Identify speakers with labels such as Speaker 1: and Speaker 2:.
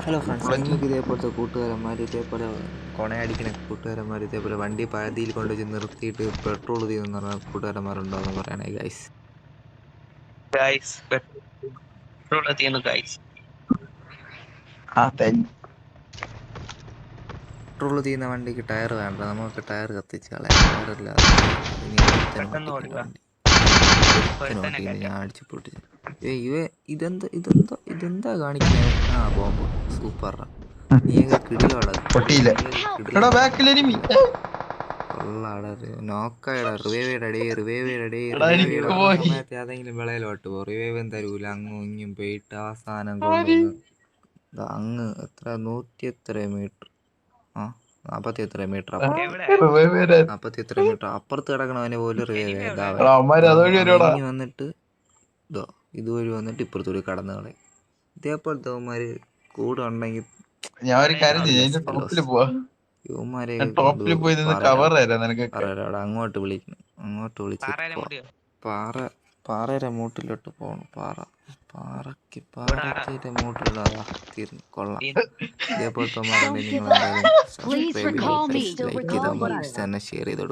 Speaker 1: Hello friends,
Speaker 2: bullet
Speaker 1: നിങ്ങൾക്ക് ഇതേപോലത്തെ കൂട്ടുകാരന്മാർ, ഇതേപോലെ കൊണയടിക്കുന്ന കൂട്ടുകാരന്മാർ, ഇതേപോലെ വണ്ടി പാതിയിൽ കൊണ്ടുവച്ച് നിർത്തിയിട്ട് പെട്രോൾ തീരുന്ന കൂട്ടുകാരന്മാരുണ്ടോ എന്ന് പറയണേ ഗൈസ്.
Speaker 3: ഗൈസ് പെട്രോൾ തീർന്നു ഗൈസ്.
Speaker 1: പെട്രോൾ തീരുന്ന വണ്ടിക്ക് ടയർ വേണ്ട, നമുക്ക് ടയർ കത്തിച്ച് കളയാം. ടയറില്ലാതെ ഇനി ഒരുത്തനും
Speaker 3: പെട്ടെന്ന്
Speaker 1: ഓട്ടിക്കില്ല
Speaker 3: ഓടിവാ.
Speaker 1: വണ്ടി. ഒരുത്തനും ഓട്ടിക്കില്ല, ഞാൻ അടിച്ചു പൊട്ടിച്ച്. ഇതെന്താ കാണിക്കുന്നത്? ആ ബോംബ് സൂപ്പറാ. നീയൊക്കെ കിടിലോടാ.
Speaker 2: പൊട്ടിയില്ല. എടാ ബാക്കിൽ എനിമി.
Speaker 1: സമയത്ത് ഏതെങ്കിലും വിളയിലോട്ട് പോകും. റിവൈവും തരൂല, അങ്ങും ഇങ്ങും പോയിട്ട് അവസാനം കൊണ്ടുവന്ന് അങ്ങ് എത്ര 100 എത്ര മീറ്റർ 40 എത്ര മീറ്റർ
Speaker 3: എവിടെ?
Speaker 1: 40 എത്ര മീറ്റർ അപ്പുറത്ത് കിടക്കണവനെ പോലും റിവൈവ് വന്നിട്ട് ഇതുവഴി വന്നിട്ട് ഇപ്പുറത്തൂടി കടന്നു കളയും. ഇതേപോലത്തെ അവന്മാര് കൂടെ ഉണ്ടെങ്കിൽ
Speaker 2: ഞാൻ ഒരു കാര്യം ചെയ്യാം, ടോപ്പിൽ പോവാ.
Speaker 1: യുവമാരെ
Speaker 2: ടോപ്പിൽ പോയി നിന്ന് കവർ തരാം നിനക്ക്.
Speaker 1: അങ്ങോട്ട് വിളിക്കണം. അങ്ങോട്ട് വിളിച്ചിട്ട് പാറയുടെ മൂട്ടിലോട്ട് പോകണം. പാറയുടെ മൂട്ടിലുള്ളതാ തീർന്നു. കൊള്ളാം. ഇതേപോലത്തെ നിങ്ങൾ എന്തായാലും സബ്സ്ക്രൈബ് ചെയ്ത് ലൈക്ക് ചെയ്താൽ തന്നെ ഷെയർ ചെയ്തോളൂ.